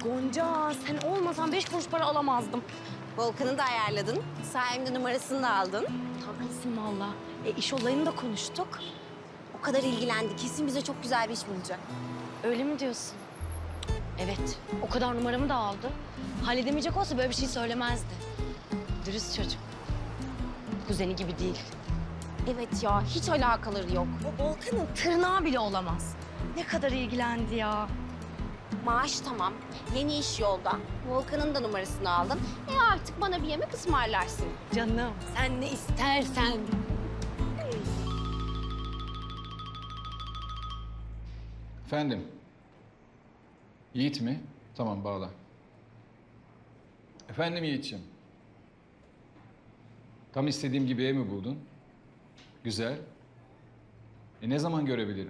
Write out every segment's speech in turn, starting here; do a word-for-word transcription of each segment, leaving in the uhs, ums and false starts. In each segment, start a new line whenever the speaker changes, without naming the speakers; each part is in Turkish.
Gonca, sen olmasan beş kuruş para alamazdım.
Volkan'ı da ayarladın. Sayemde numarasını da aldın.
Tatlısın valla. E, iş olayını da konuştuk.
O kadar ilgilendi. Kesin bize çok güzel bir iş bulacak.
Öyle mi diyorsun? Evet, o kadar numaramı da aldı. Halledemeyecek olsa böyle bir şey söylemezdi. Dürüst çocuk. Kuzeni gibi değil.
Evet ya, hiç alakaları yok.
O Volkan'ın tırnağı bile olamaz. Ne kadar ilgilendi ya.
Maaş tamam, yeni iş yolda. Volkan'ın da numarasını aldın. E artık bana bir yemek ısmarlarsın.
Canım, sen ne istersen.
Efendim? Yiğit mi? Tamam, bağla. Efendim Yiğit'ciğim? Tam istediğim gibi ev mi buldun? Güzel. E ne zaman görebilirim?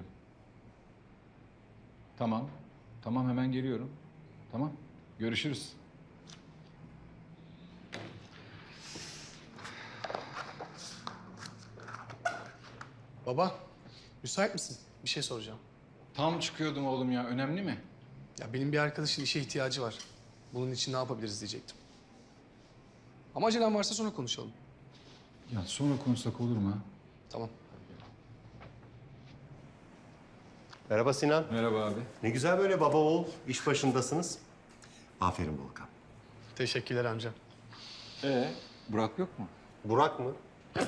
Tamam. Tamam, hemen geliyorum. Tamam. Görüşürüz.
Baba, müsait misin? Bir şey soracağım.
Tam çıkıyordum oğlum ya. Önemli mi?
Ya benim bir arkadaşın işe ihtiyacı var. Bunun için ne yapabiliriz diyecektim. Ama acelem varsa sonra konuşalım.
Ya sonra konuşsak olur mu? Ha?
Tamam.
Merhaba Sinan.
Merhaba abi.
Ne güzel böyle baba oğul iş başındasınız. Aferin Volkan.
Teşekkürler amca.
Ee, Burak yok mu?
Burak mı?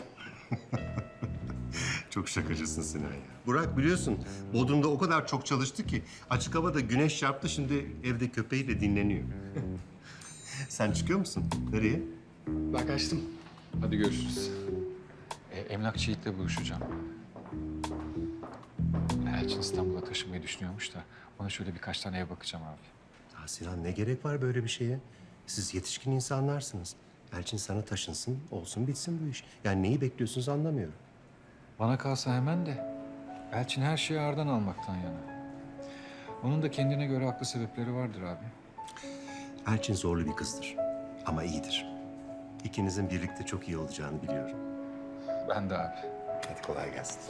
Çok şakacısın Sinan ya. Burak biliyorsun Bodrum'da o kadar çok çalıştı ki açık havada güneş çarptı, şimdi evde köpeğiyle dinleniyor. Sen çıkıyor musun? Nereye?
Ben kaçtım.
Hadi görüşürüz. E, emlakçı Yiğit'le buluşacağım. Elçin İstanbul'a taşınmayı düşünüyormuş da ona şöyle birkaç tane ev bakacağım abi.
Ya Sinan, ne gerek var böyle bir şeye? Siz yetişkin insanlarsınız. Elçin sana taşınsın, olsun bitsin bu iş. Yani neyi bekliyorsunuz anlamıyorum.
Bana kalsa hemen de Elçin her şeyi ağırdan almaktan yana. Onun da kendine göre haklı sebepleri vardır abi.
Elçin zorlu bir kızdır ama iyidir. İkinizin birlikte çok iyi olacağını biliyorum.
Ben de abi.
Hadi kolay gelsin.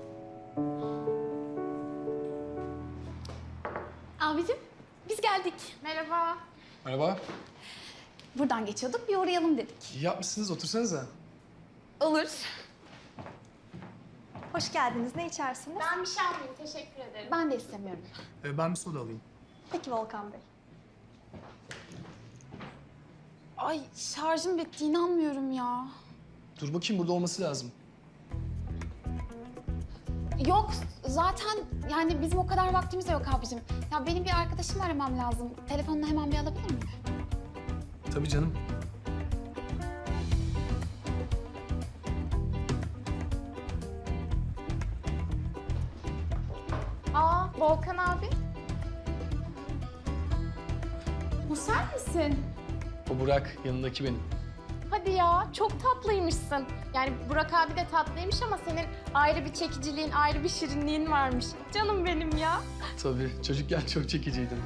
Abicim, biz geldik.
Merhaba.
Merhaba.
Buradan geçiyorduk, bir uğrayalım dedik.
İyi yapmışsınız, otursanıza.
Olur.
Hoş geldiniz. Ne içersiniz? Ben bir şey almayayım. Teşekkür ederim.
Ben de istemiyorum.
Ee, ben bir soda alayım.
Peki Volkan Bey.
Ay şarjım bitti, inanmıyorum ya.
Dur bakayım, burada olması lazım.
Yok, zaten yani bizim o kadar vaktimiz de yok abicim. Ya benim bir arkadaşımı aramam lazım. Telefonunu hemen bir alabilir miyim?
Tabii canım.
Aa, Volkan abi. Bu sen misin?
O Burak, yanındaki benim.
Hadi ya, çok tatlıymışsın. Yani Burak abi de tatlıymış ama senin ayrı bir çekiciliğin, ayrı bir şirinliğin varmış. Canım benim ya.
Tabii, çocukken çok çekiciydim.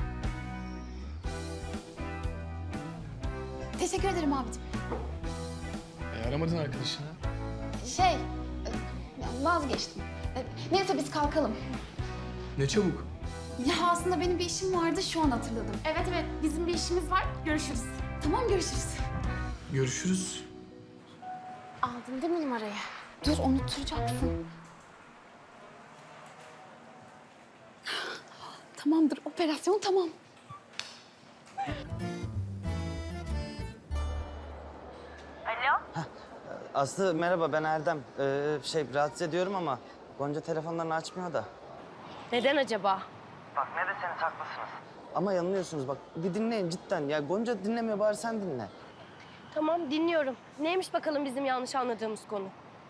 Teşekkür ederim abicim.
E, aramadın arkadaşını.
Şey, e, vazgeçtim. E, Neyse biz kalkalım.
Ne çabuk.
Ya aslında benim bir işim vardı, şu an hatırladım.
Evet evet, bizim bir işimiz var. Görüşürüz.
Tamam, görüşürüz.
Görüşürüz.
Aldın değil mi numarayı?
Dur, unutturacaksın. Tamamdır, operasyon tamam.
Aslı merhaba, ben Erdem. Ee, şey rahatsız ediyorum ama Gonca telefonlarını açmıyor da.
Neden acaba?
Bak ne deseniz haklısınız. Ama yanılıyorsunuz bak, bir dinleyin cidden. Ya Gonca dinlemiyor, bari sen dinle.
Tamam, dinliyorum. Neymiş bakalım bizim yanlış anladığımız konu?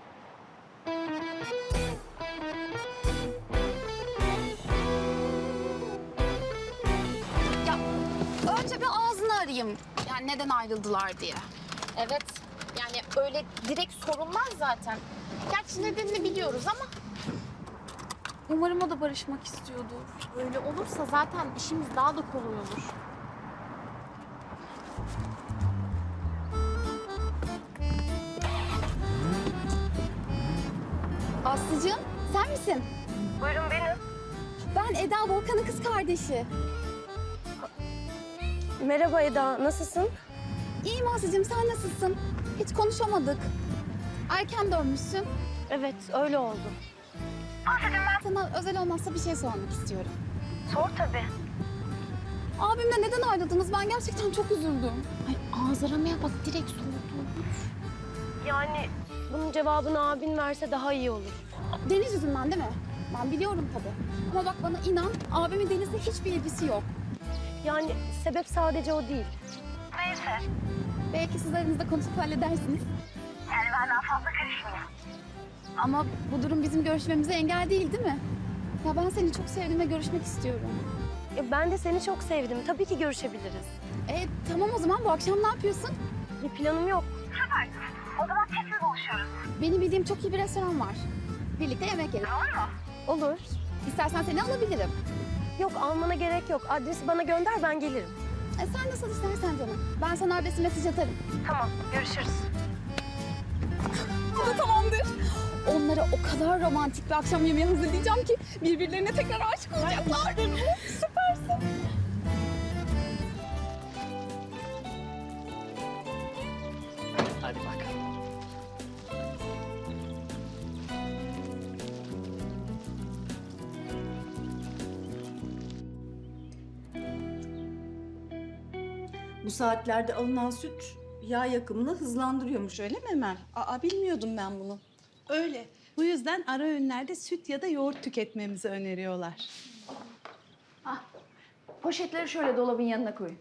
Ya önce bir ağzını arayayım. Yani neden ayrıldılar diye.
Evet, yani öyle direkt sorulmaz zaten. Gerçi nedenini biliyoruz ama
Umarım o da barışmak istiyordur.
öyle olursa zaten işimiz daha da kolay olur.
Aslıcığım, sen misin?
Buyurun benim.
Ben Eda, Volkan'ın kız kardeşi.
Merhaba Eda, nasılsın?
İyiyim Aslı'cığım, sen nasılsın? Hiç konuşamadık. Erken dönmüşsün.
Evet, öyle oldu.
Aslı'cığım ben sana özel olmazsa bir şey sormak istiyorum.
Sor tabii.
Abimle neden ayrıldınız? Ben gerçekten çok üzüldüm. Ay ağız aramaya bak, direkt sordu.
Yani bunun cevabını abin verse daha iyi olur.
Deniz yüzünden değil mi? Ben biliyorum tabii. Ama bak bana inan, abimin Deniz'le hiçbir ilgisi yok.
Yani sebep sadece o değil.
Belki siz aranızda konuşup halledersiniz. Yani ben daha fazla karışmayayım. Ama bu durum bizim görüşmemize engel değil, değil mi? Ya ben seni çok sevdim ve görüşmek istiyorum.
Ya ben de seni çok sevdim. Tabii ki görüşebiliriz.
E tamam o zaman bu akşam ne yapıyorsun?
Bir planım yok.
Benim bildiğim çok iyi bir restoran var. Birlikte yemek yeriz.
Olur.
İstersen seni alabilirim.
Yok, almana gerek yok. Adresi bana gönder, ben gelirim.
E, sen nasıl istersen canım. Ben sana adresi mesaj atarım.
Tamam, görüşürüz.
Bu da tamamdır. Onlara o kadar romantik bir akşam yemeği hazırlayacağım ki birbirlerine tekrar aşık olacaklar. Süpersin.
Hadi bakalım.
Bu saatlerde alınan süt yağ yakımını hızlandırıyormuş, öyle mi Emel? Aa, bilmiyordum ben bunu.
Öyle. Bu yüzden ara öğünlerde süt ya da yoğurt tüketmemizi öneriyorlar.
Poşetleri şöyle dolabın yanına koyun.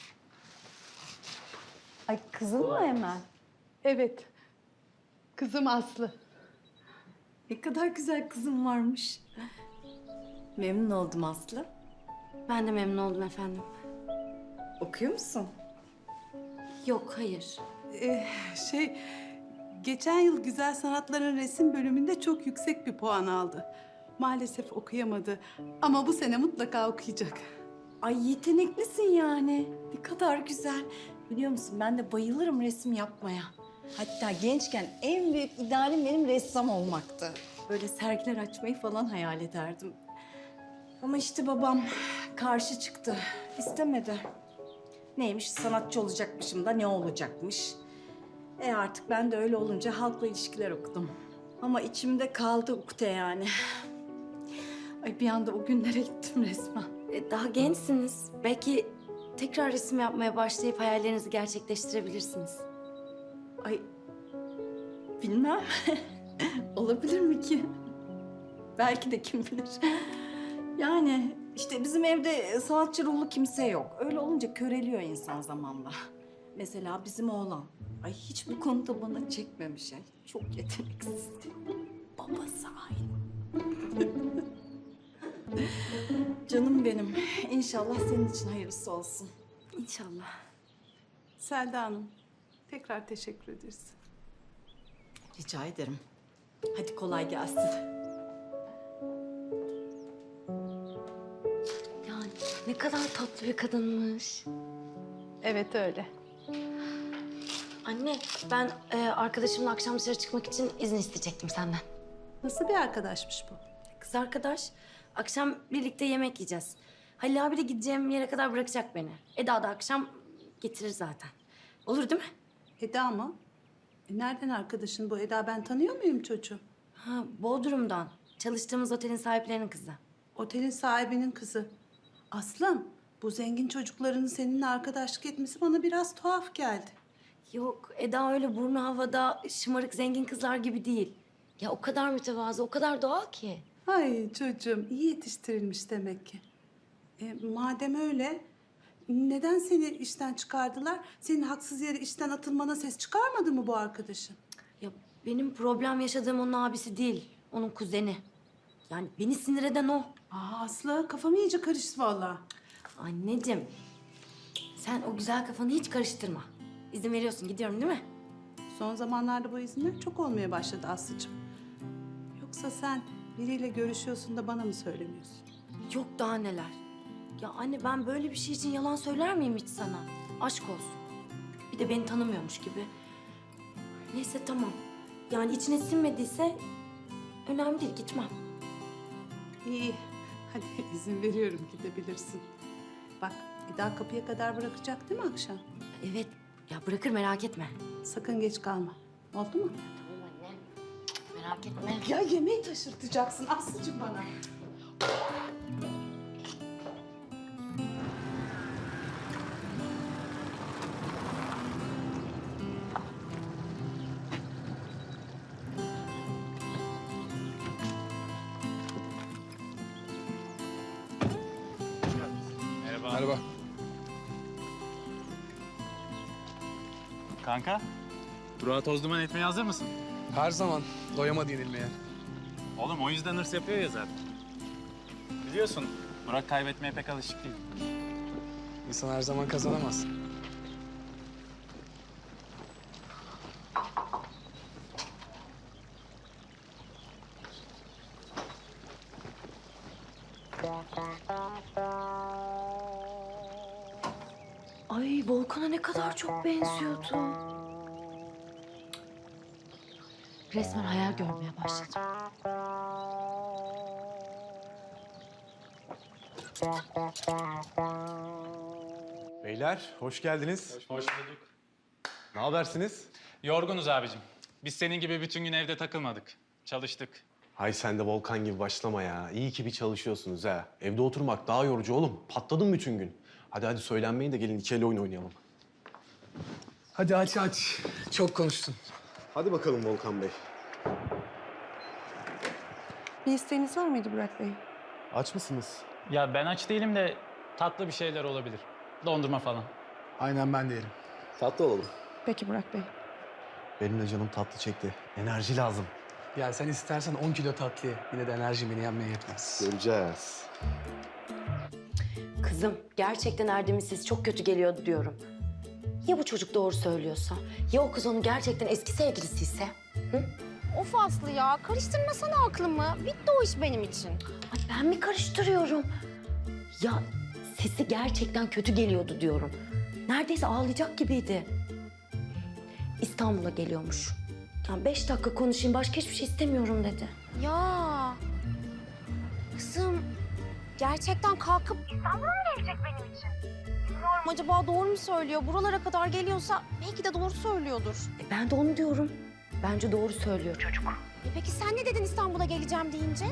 Ay kızım mı Emel?
Evet. Kızım Aslı.
Ne kadar güzel kızım varmış. Memnun oldum Aslı.
Ben de memnun oldum efendim.
Okuyor musun?
Yok, hayır.
Ee, şey, geçen yıl Güzel Sanatların resim bölümünde çok yüksek bir puan aldı. Maalesef okuyamadı ama bu sene mutlaka okuyacak.
Ay yeteneklisin yani. Ne kadar güzel. Biliyor musun ben de bayılırım resim yapmaya. Hatta gençken en büyük idealim benim ressam olmaktı. Böyle sergiler açmayı falan hayal ederdim. Ama işte babam karşı çıktı. İstemedi. Neymiş sanatçı olacakmışım da ne olacakmış. E artık ben de öyle olunca halkla ilişkiler okudum. Ama içimde kaldı ukde yani. Ay bir anda o günlere gittim resmen.
E, Daha gençsiniz. Belki tekrar resim yapmaya başlayıp hayallerinizi gerçekleştirebilirsiniz.
Ay bilmem. Olabilir mi ki? Belki de kim bilir. Yani işte bizim evde sanatçı ruhlu kimse yok. Öyle olunca köreliyor insan zamanla. Mesela bizim oğlan. Ay hiç bu konuda bana çekmemiş. Yani. Çok yeteneksiz. Babası aynı. Canım benim. İnşallah senin için hayırlısı olsun.
İnşallah.
Selda Hanım, tekrar teşekkür ederiz.
Rica ederim. Hadi kolay gelsin.
Yani ne kadar tatlı bir kadınmış.
Evet öyle.
Anne, ben e, arkadaşımla akşam dışarı çıkmak için izin isteyecektim senden.
Nasıl bir arkadaşmış bu?
Kız arkadaş, akşam birlikte yemek yiyeceğiz. Halil abi de gideceğim yere kadar bırakacak beni. Eda da akşam getirir zaten. Olur değil mi?
Eda mı? E nereden arkadaşın bu Eda? Ben tanıyor muyum çocuğu?
Ha, Bodrum'dan. Çalıştığımız otelin sahiplerinin kızı.
Otelin sahibinin kızı. Aslım, bu zengin çocukların seninle arkadaşlık etmesi bana biraz tuhaf geldi.
Yok, Eda öyle burnu havada şımarık zengin kızlar gibi değil. Ya o kadar mütevazı, o kadar doğal ki.
Ay çocuğum, iyi yetiştirilmiş demek ki. E, madem öyle, neden seni işten çıkardılar? Senin haksız yere işten atılmana ses çıkarmadı mı bu arkadaşın?
Ya benim problem yaşadığım onun abisi değil, onun kuzeni. Yani beni sinir eden o.
Aa Aslı, kafam iyice karıştı vallahi.
Anneciğim, sen o güzel kafanı hiç karıştırma. İzin veriyorsun, gidiyorum değil mi?
Son zamanlarda bu izinler çok olmaya başladı Aslı'cığım. Yoksa sen biriyle görüşüyorsun da bana mı söylemiyorsun?
Yok daha neler. Ya anne ben böyle bir şey için yalan söyler miyim hiç sana? Aşk olsun. Bir de beni tanımıyormuş gibi. Neyse tamam. Yani içine sinmediyse önemli değil, gitmem.
İyi, hadi izin veriyorum gidebilirsin. Bak Bir daha kapıya kadar bırakacak değil mi akşam?
Evet, ya bırakır merak etme.
Sakın geç kalma. Oldu mu?
Tamam anne. Merak etme.
Ya yemeği taşırtacaksın Aslıcığım bana.
Merhaba.
Kanka, Burak'a toz duman etmeye hazır mısın?
Her zaman doyamadı yenilmeye.
Oğlum o yüzden hırs yapıyor ya zaten. Biliyorsun, Burak kaybetmeye pek alışık değil.
İnsan her zaman kazanamaz.
Ay Volkan'a ne kadar çok benziyordu. Resmen hayal görmeye başladım.
Beyler, hoş geldiniz.
Hoş bulduk.
Ne habersiniz?
Yorgunuz abicim. Biz senin gibi bütün gün evde takılmadık. Çalıştık.
Hay sen de Volkan gibi başlama ya. İyi ki bir çalışıyorsunuz ha. Evde oturmak daha yorucu oğlum. Patladım bütün gün. Hadi hadi söylenmeyin de gelin iki el oyun oynayalım.
Hadi aç aç. Çok konuştun.
Hadi bakalım Volkan Bey.
Bir isteğiniz var mıydı Burak Bey?
Aç mısınız?
Ya ben aç değilim de tatlı bir şeyler olabilir. Dondurma falan.
Aynen ben de yerim.
Tatlı olalım.
Peki Burak Bey.
Benim de canım tatlı çekti. Enerji lazım.
Ya sen istersen on kilo tatlı ye. Yine de enerjim beni yenmeye yetmez.
Göreceğiz.
Kızım, gerçekten Erdem'in sesi çok kötü geliyordu diyorum. Ya bu çocuk doğru söylüyorsa? Ya o kız onun gerçekten eski sevgilisiyse?
Of Aslı ya, karıştırmasana aklımı. Bitti o iş benim için.
Ay ben mi karıştırıyorum? Ya sesi gerçekten kötü geliyordu diyorum. Neredeyse ağlayacak gibiydi. İstanbul'a geliyormuş. Ya beş dakika konuşayım, başka hiçbir şey istemiyorum dedi.
Ya kızım, gerçekten kalkıp İstanbul'a mı gelecek benim için? Bilmiyorum, acaba doğru mu söylüyor? Buralara kadar geliyorsa belki de doğru söylüyordur.
E ben de onu diyorum. Bence doğru söylüyor çocuk.
E peki sen ne dedin İstanbul'a geleceğim deyince?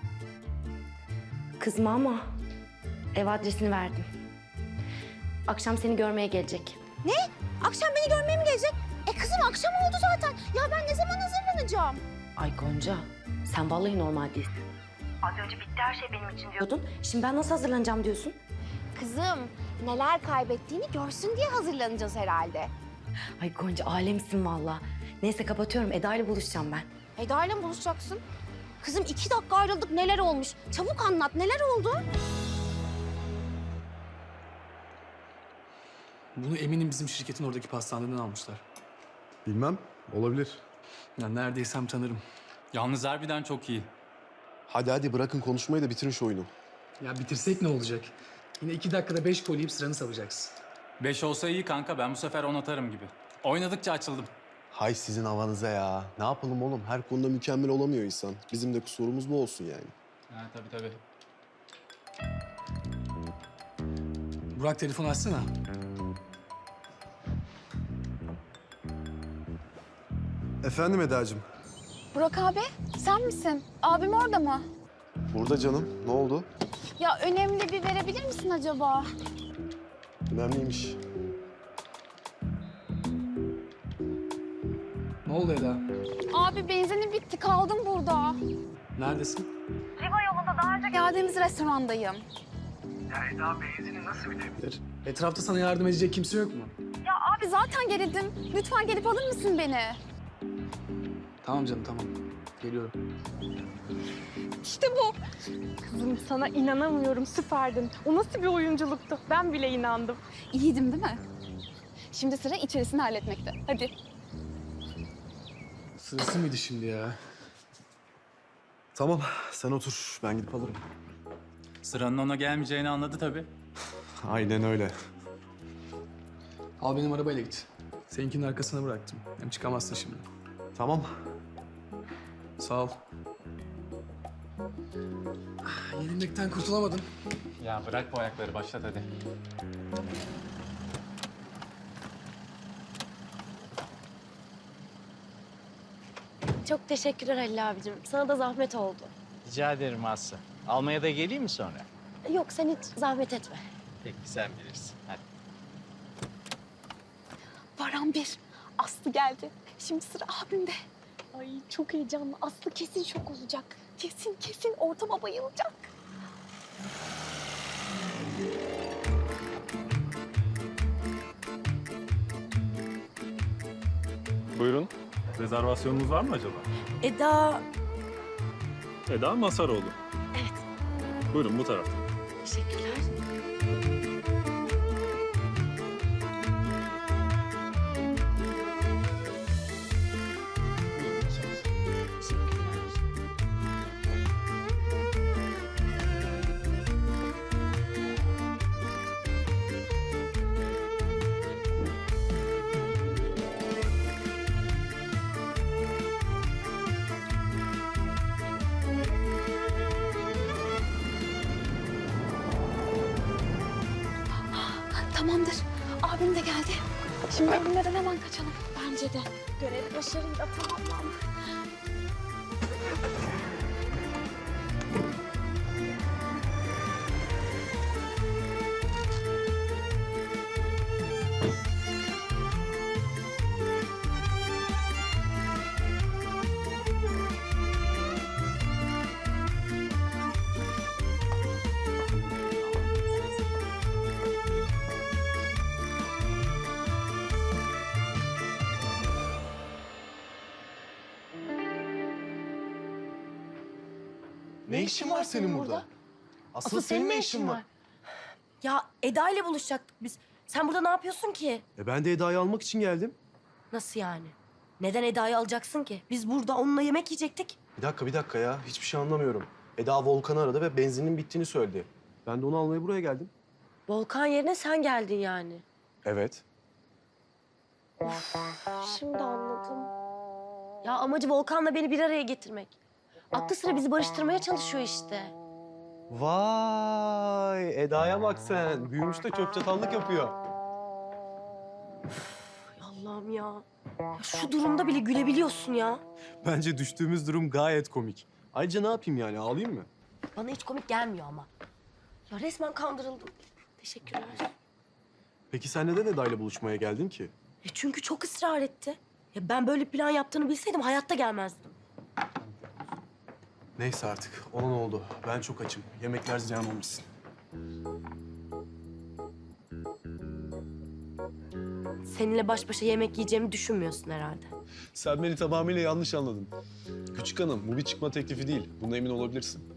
Kızma ama ev adresini verdim. Akşam seni görmeye gelecek.
Ne? Akşam beni görmeye mi gelecek? E kızım akşam oldu zaten. Ya ben ne zaman hazırlanacağım?
Ay Gonca, sen vallahi normal değilsin. Az önce bitti her şey benim için diyordun. Şimdi ben nasıl hazırlanacağım diyorsun?
Kızım neler kaybettiğini görsün diye hazırlanacağız herhalde.
Ay Gonca alemsin vallahi. Neyse kapatıyorum. Eda ile buluşacağım ben.
Eda ile mi buluşacaksın? Kızım iki dakika ayrıldık, neler olmuş? Çabuk anlat, neler oldu?
Bunu eminim bizim şirketin oradaki pastaneden almışlar.
Bilmem. Olabilir.
Ya neredeysem tanırım.
Yalnız harbiden çok iyi.
Hadi hadi bırakın konuşmayı da bitirin şu oyunu.
Ya bitirsek ne olacak? Yine iki dakikada beş gol yiyip sıranı salacaksın.
Beş olsa iyi kanka, ben bu sefer on atarım gibi. Oynadıkça açıldım.
Hay sizin havanıza ya. Ne yapalım oğlum? Her konuda mükemmel olamıyor insan. Bizim de kusurumuz bu olsun yani.
Ha tabii tabii.
Burak telefon açsana.
Efendim Eda'cığım.
Burak abi, sen misin? Abim orada mı?
Burada canım. Ne oldu?
Ya önemli bir verebilir misin acaba?
Önemliymiş.
Ne oldu Eda?
Abi benzinim bitti, kaldım burada.
Neredesin?
Geldiğimiz restorandayım.
Etrafta sana yardım edecek kimse yok mu?
Ya abi zaten gerildim. Lütfen gelip alır mısın beni?
Tamam canım tamam. Geliyorum.
İşte bu. Kızım sana inanamıyorum, süperdin. O nasıl bir oyunculuktu? Ben bile inandım.
İyiydim değil mi? Şimdi sıra içerisini halletmekte. Hadi.
Sırası mıydı şimdi ya?
Tamam sen otur. Ben gidip alırım.
Sıranın ona gelmeyeceğini anladı tabii.
Aynen öyle.
Al benim arabayla git. Seninkinin arkasına bıraktım. Hem çıkamazsın şimdi.
Tamam.
Sağ ol. Yenilmekten kurtulamadım.
Ya bırak bu ayakları, başlat hadi.
Çok teşekkürler Halil abicim. Sana da zahmet oldu.
Rica ederim Aslı. Almaya da geleyim mi sonra?
Yok sen hiç zahmet etme.
Peki sen bilirsin. Hadi.
Baran bir. Aslı geldi. Şimdi sıra abimde. Ay çok heyecanlı. Aslı kesin şok olacak. Kesin kesin ortama bayılacak.
Buyurun. Rezervasyonunuz var mı acaba?
Eda...
Eda Masaroğlu.
Evet.
Buyurun bu tarafta.
Teşekkürler.
Tamamdır. Abim de geldi. Şimdi evimden hemen kaçalım. Bence de. Görev başarıyla tamamlandı.
Ne işin var senin burada? Asıl senin ne işin var?
Ya Eda ile buluşacaktık biz. Sen burada ne yapıyorsun ki?
E ben de Eda'yı almak için geldim.
Nasıl yani? Neden Eda'yı alacaksın ki? Biz burada onunla yemek yiyecektik.
Bir dakika bir dakika ya. Hiçbir şey anlamıyorum. Eda Volkan'ı aradı ve benzinin bittiğini söyledi. Ben de onu almaya buraya geldim.
Volkan yerine sen geldin yani.
Evet.
Şimdi anladım. Ya amacı Volkan'la beni bir araya getirmek. Aklı sıra bizi barıştırmaya çalışıyor işte.
Vay Eda'ya bak sen. Büyümüş de çöp çatallık yapıyor.
Allah'ım ya. Ya şu durumda bile gülebiliyorsun ya.
Bence düştüğümüz durum gayet komik. Ayrıca ne yapayım yani ağlayayım mı?
Bana hiç komik gelmiyor ama. Ya resmen kandırıldım. Teşekkürler.
Peki sen neden Eda'yla buluşmaya geldin ki?
E çünkü çok ısrar etti. Ya ben böyle plan yaptığını bilseydim hayatta gelmezdim.
Neyse artık. Olan oldu. Ben çok açım. Yemekler ziyan olmasın.
Seninle baş başa yemek yiyeceğimi düşünmüyorsun herhalde.
Sen beni tamamıyla yanlış anladın. Küçük hanım, bu bir çıkma teklifi değil. Buna emin olabilirsin.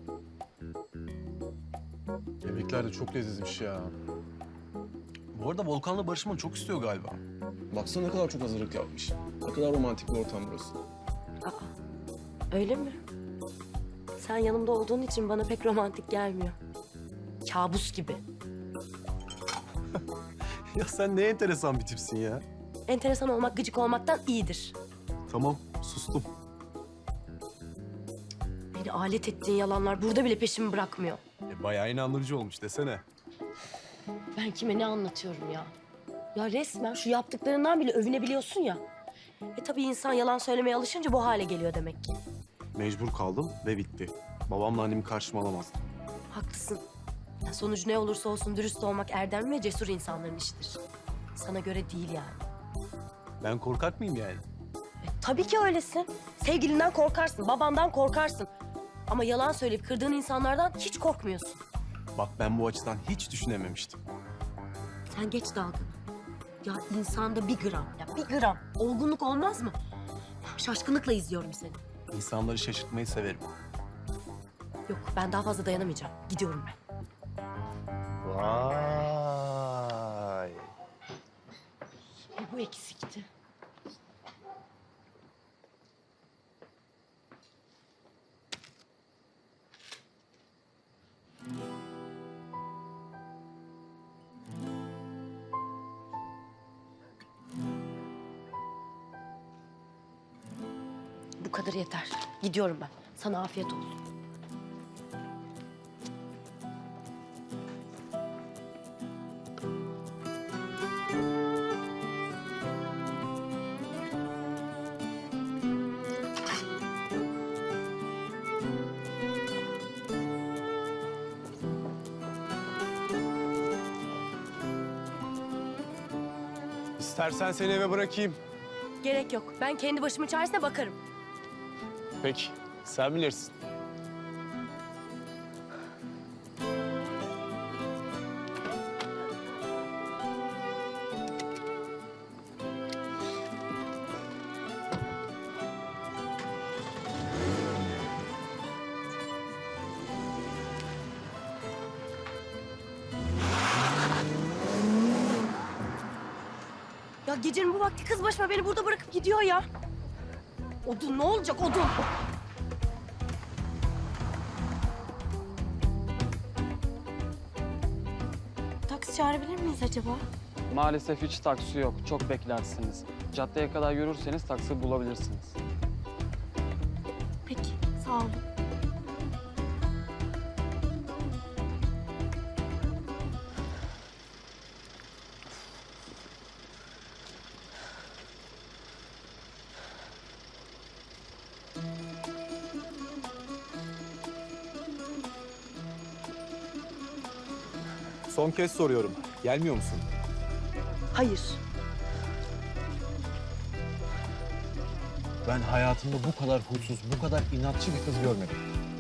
Yemekler de çok lezzetmiş ya. Bu arada Volkan'la barışmanı çok istiyor galiba. Baksana ne kadar çok hazırlık yapmış. Ne kadar romantik bir ortam burası.
Aa, öyle mi? Sen yanımda olduğun için bana pek romantik gelmiyor. Kabus gibi.
Ya sen ne enteresan bir tipsin ya.
Enteresan olmak gıcık olmaktan iyidir.
Tamam, sustum.
Beni alet ettiğin yalanlar burada bile peşimi bırakmıyor.
E, bayağı inandırıcı olmuş desene.
Ben kime ne anlatıyorum ya? Ya resmen şu yaptıklarından bile övünebiliyorsun ya. E tabii insan yalan söylemeye alışınca bu hale geliyor demek ki.
Mecbur kaldım ve bitti. Babamla annemi karşıma alamazdım.
Haklısın. Ya sonucu ne olursa olsun dürüst olmak erdemli ve cesur insanların işidir. Sana göre değil yani.
Ben korkak mıyım yani?
E, tabii ki öylesin. Sevgilinden korkarsın, babandan korkarsın. Ama yalan söyleyip kırdığın insanlardan hiç korkmuyorsun.
Bak ben bu açıdan hiç düşünememiştim.
Sen geç dalgını. Ya insanda bir gram, ya bir gram olgunluk olmaz mı? Şaşkınlıkla izliyorum seni.
İnsanları şaşırtmayı severim.
Yok, ben daha fazla dayanamayacağım. Gidiyorum ben.
Vay.
E, bu eksikti. Bu kadar yeter. Gidiyorum ben. Sana afiyet olsun.
İstersen seni eve bırakayım.
Gerek yok. Ben kendi başımın çaresine bakarım.
Peki, sen bilirsin.
Ya gecenin bu vakti kız başıma beni burada bırakıp gidiyor ya. Odun ne olacak odun?
Taksi çağırabilir miyiz acaba?
Maalesef hiç taksi yok. Çok beklersiniz. Caddeye kadar yürürseniz taksi bulabilirsiniz.
Peki, sağ olun.
Son kez soruyorum. Gelmiyor musun?
Hayır.
Ben hayatımda bu kadar huysuz, bu kadar inatçı bir kız görmedim.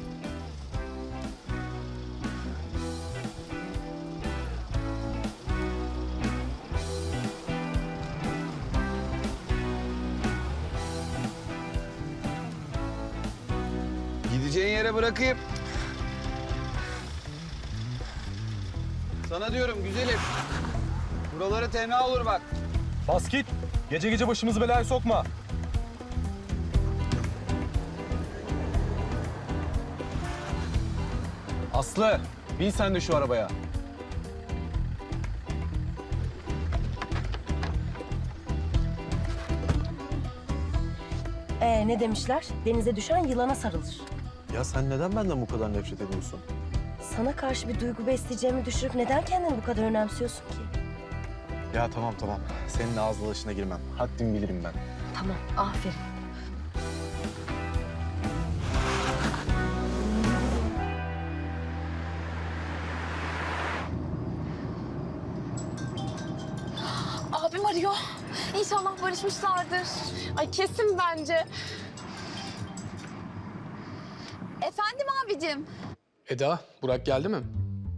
Gideceğin yere bırakayım. Sana diyorum güzelim. Buraları tenha olur bak.
Bas git. Gece gece başımızı belaya sokma.
Aslı, bin sen de şu arabaya.
Ee ne demişler? Denize düşen yılana sarılır.
Ya sen neden benden bu kadar nefret ediyorsun?
Sana karşı bir duygu besleyeceğimi düşünüp neden kendini bu kadar önemsiyorsun ki?
Ya tamam tamam. Senin ağız dalaşına girmem. Haddimi bilirim ben.
Tamam, aferin.
Abim arıyor. İnşallah barışmışlardır. Ay kesin bence. Efendim abicim.
Eda, Burak geldi mi?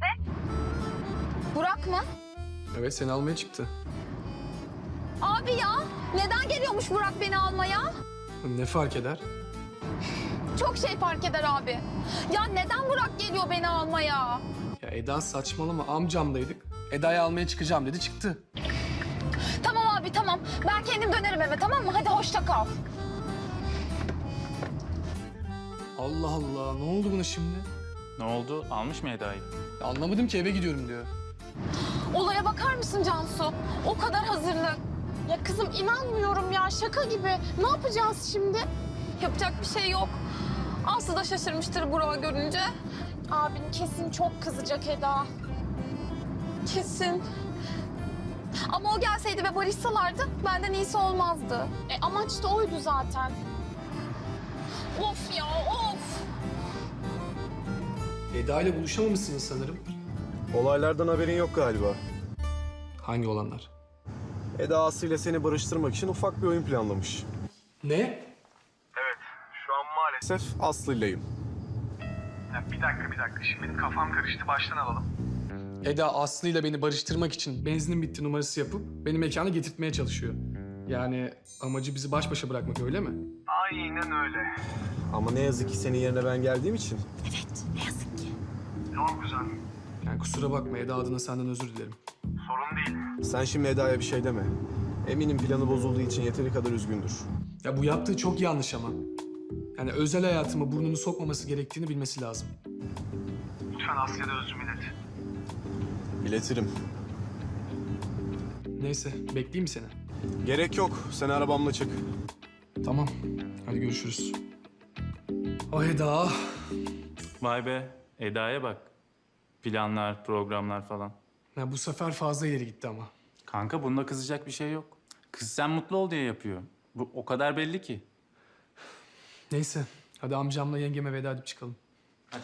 Burak mı?
Evet, seni almaya çıktı.
Abi ya. Neden geliyormuş Burak beni almaya?
Ne fark eder?
Çok şey fark eder abi. Ya neden Burak geliyor beni almaya?
Ya Eda saçmalama, amcamdaydık. Eda'yı almaya çıkacağım dedi, çıktı.
Tamam abi tamam. Ben kendim dönerim eve tamam mı? Hadi hoşça kal.
Allah Allah, ne oldu buna şimdi?
Ne oldu? Almış mı Eda'yı?
Ya anlamadım ki, eve gidiyorum diyor.
Olaya bakar mısın Cansu? O kadar hazırlık. Ya kızım inanmıyorum ya şaka gibi. Ne yapacağız şimdi? Yapacak bir şey yok. Aslı da şaşırmıştır Burak'ı görünce. Abin kesin çok kızacak Eda. Kesin. Ama o gelseydi ve barışsalardı benden iyisi olmazdı. E, amaç da oydu zaten. Of ya of.
Eda ile buluşamamışsınız sanırım.
Olaylardan haberin yok galiba.
Hangi olanlar?
Eda Aslı ile seni barıştırmak için ufak bir oyun planlamış.
Ne?
Şu an maalesef Aslı'yleyim.
Bir dakika bir dakika. Şimdi benim kafam karıştı. Baştan alalım.
Eda Aslı ile beni barıştırmak için benzinin bitti numarası yapıp beni mekana getirtmeye çalışıyor. Yani amacı bizi baş başa bırakmak, öyle mi?
Aynen öyle.
Ama ne yazık ki senin yerine ben geldiğim için.
Evet, ne yazık ki.
Çok güzel.
Yani kusura bakma, Eda adına senden özür dilerim.
Sorun değil.
Sen şimdi Eda'ya bir şey deme. Eminim planı bozulduğu için yeteri kadar üzgündür.
Ya bu yaptığı çok yanlış ama. Yani özel hayatıma burnunu sokmaması gerektiğini bilmesi lazım.
Lütfen Asya'da özrümü ilet.
İletirim.
Neyse, bekleyeyim mi seni?
Gerek yok. Sen arabamla çık.
Tamam, hadi görüşürüz. Ah Eda.
Vay be. Eda'ya bak. Planlar, programlar falan.
Ya bu sefer fazla ileri gitti ama.
Kanka bunda kızacak bir şey yok. Kız sen mutlu ol diye yapıyor. Bu o kadar belli ki.
Neyse, hadi amcamla yengeme veda edip çıkalım.
Hadi.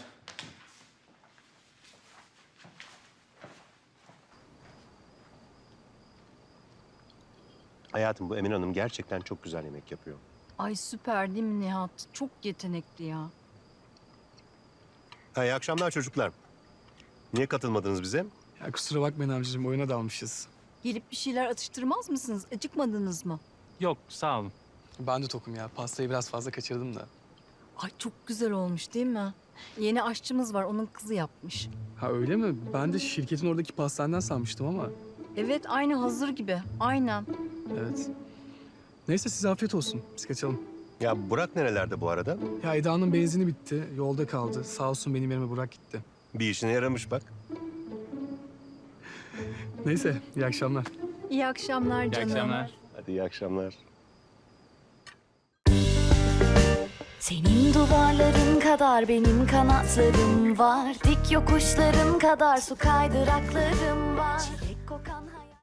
Hayatım, bu Emine Hanım gerçekten çok güzel yemek yapıyor.
Ay süper değil mi Nihat? Çok yetenekli ya.
Ha, iyi akşamlar çocuklar. Niye katılmadınız bize?
Ya kusura bakmayın amcacığım, oyuna dalmışız.
Gelip bir şeyler atıştırmaz mısınız? Acıkmadınız mı?
Yok, sağ olun.
Ben de tokum ya. Pastayı biraz fazla kaçırdım da.
Ay çok güzel olmuş değil mi? Yeni aşçımız var, onun kızı yapmış.
Ha öyle mi? Ben de şirketin oradaki pastaneden sanmıştım ama.
Evet, aynı hazır gibi. Aynen.
Evet. Neyse size afiyet olsun. Biz kaçalım.
Ya Burak nerelerde bu arada?
Ya Eda'nın benzini bitti. Yolda kaldı. Sağ olsun benim yerime Burak gitti.
Bir işine yaramış bak.
Neyse iyi akşamlar.
İyi akşamlar
İyi
canım.
akşamlar.
Hadi iyi akşamlar.
Senin duvarların kadar benim kanatlarım var. Dik yokuşların kadar su kaydıraklarım var. Çilek kokan